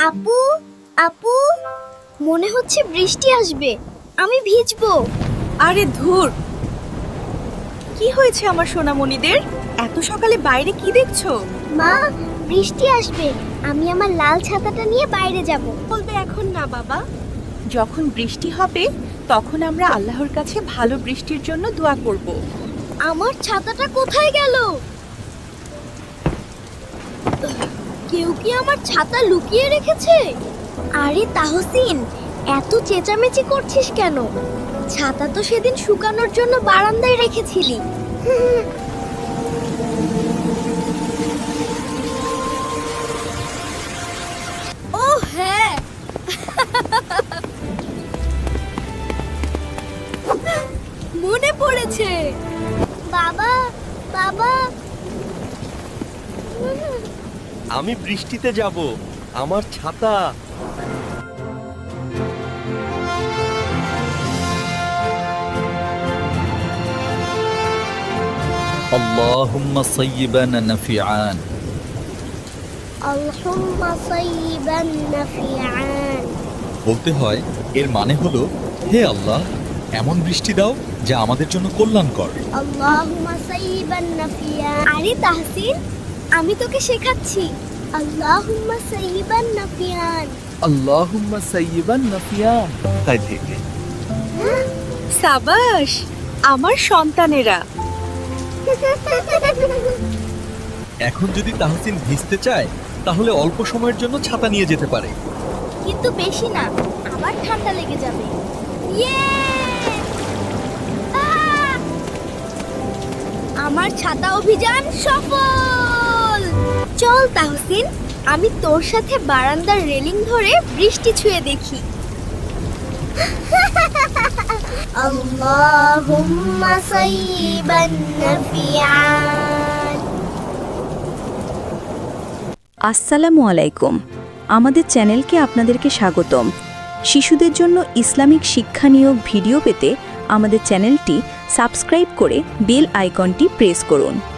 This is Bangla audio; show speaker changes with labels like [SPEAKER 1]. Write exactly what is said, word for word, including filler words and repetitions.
[SPEAKER 1] আপু আপু মনে হচ্ছে বৃষ্টি আসবে, আমি ভিজবো।
[SPEAKER 2] আরে ধুর, কি হয়েছে আমার সোনামণিদের? এত সকালে বাইরে কি দেখছো?
[SPEAKER 1] মা, বৃষ্টি আসবে, আমি আমার লাল ছাতাটা নিয়ে বাইরে যাব।
[SPEAKER 2] বলবে এখন না বাবা, যখন বৃষ্টি হবে তখন আমরা আল্লাহর কাছে ভালো বৃষ্টির জন্য দোয়া করব।
[SPEAKER 1] আমার ছাতাটা কোথায় গেল? কেউ কি আমার ছাতা লুকিয়ে রেখেছে? আরে তাহসিন, এত চেঁচামেচি করছিস কেন? ছাতা তো সেদিন শুকানোর জন্য বারান্দায় রেখেছিলি। ও হ্যাঁ, মনে পড়েছে। বাবা বাবা
[SPEAKER 3] আমি বৃষ্টিতে যাব, আমার ছাতা।
[SPEAKER 4] اللهم صيبا نفيعان
[SPEAKER 1] আল্লাহুম্মা সাইয়িবান নাফিআন।
[SPEAKER 4] বলতে হয় এর মানে হলো, হে আল্লাহ, এমন বৃষ্টি দাও যা আমাদের জন্য কল্যাণকর।
[SPEAKER 1] আল্লাহুম্মা সাইয়িবান নাফিআন। আরে তাহসিন, আমি তোকে শেখাচ্ছি। আল্লাহুম্মা সাইয়িবান নাফিআন।
[SPEAKER 4] আল্লাহুম্মা সাইয়িবান নাফিয়ান। তাই থেকে
[SPEAKER 2] সাবাস আমার সন্তানেরা।
[SPEAKER 4] এখন যদি তাহসিন ভিজতে চায় তাহলে অল্প সময়ের জন্য ছাতা নিয়ে যেতে পারে।
[SPEAKER 1] কিন্তু বেশি না, আবার ঠান্ডা লেগে যাবে। ইয়ে! আহ! আমার ছাতা অভিযান সফল। চল তাহসিন, আমি তোর সাথে বারান্দার রেলিং ধরে বৃষ্টি ছুঁয়ে দেখি। আল্লাহুম্মা সাইয়িবান নাফিআন।
[SPEAKER 5] আসসালামু আলাইকুম। আমাদের চ্যানেলকে আপনাদেরকে স্বাগতম। শিশুদের জন্য ইসলামিক শিক্ষানিয়োগ ভিডিও পেতে আমাদের চ্যানেলটি সাবস্ক্রাইব করে বেল আইকনটি প্রেস করুন।